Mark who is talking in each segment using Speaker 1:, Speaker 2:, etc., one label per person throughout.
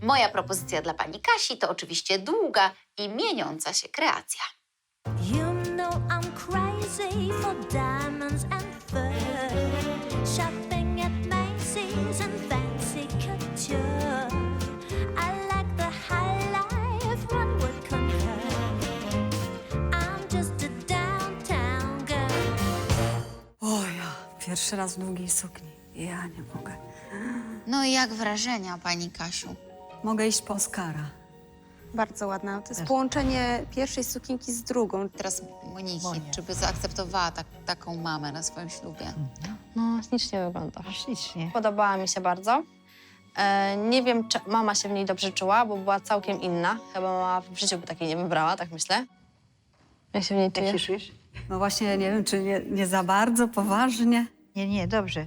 Speaker 1: Moja propozycja dla pani Kasi to oczywiście długa i mieniąca się kreacja.
Speaker 2: You know I'm crazy for diamonds and fur. Shopping at Macy's and fancy couture. I like the high life one would concur. I'm just a downtown girl.
Speaker 3: O ja, pierwszy raz w długiej sukni. Ja nie mogę.
Speaker 1: No i jak wrażenia, pani Kasiu?
Speaker 3: Mogę iść po Oskara.
Speaker 4: Bardzo ładna. To jest połączenie pierwszej sukienki z drugą.
Speaker 1: Teraz Moniki, czy by zaakceptowała taką mamę na swoim ślubie?
Speaker 5: No, ślicznie wygląda.
Speaker 6: Ślicznie.
Speaker 5: Podobała mi się bardzo. Nie wiem, czy mama się w niej dobrze czuła, bo była całkiem inna. Chyba mama w życiu by takiej nie wybrała, tak myślę. Jak się w niej
Speaker 6: Jak
Speaker 5: czuje?
Speaker 6: się czujesz?
Speaker 3: No właśnie, nie wiem, czy nie za bardzo poważnie.
Speaker 6: Nie, dobrze.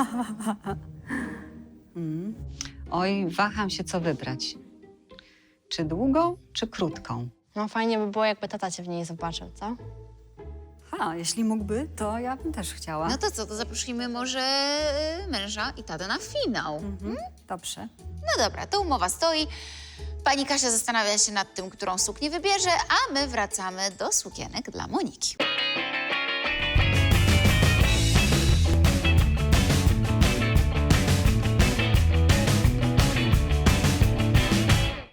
Speaker 7: Oj, waham się, co wybrać. Czy długą, czy krótką?
Speaker 5: No fajnie by było, jakby tata cię w niej zobaczył, co?
Speaker 3: Jeśli mógłby, to ja bym też chciała.
Speaker 1: No to co, to zaprosimy może męża i tatę na finał.
Speaker 3: Dobrze.
Speaker 1: No dobra, to umowa stoi. Pani Kasia zastanawia się nad tym, którą suknię wybierze, a my wracamy do sukienek dla Moniki.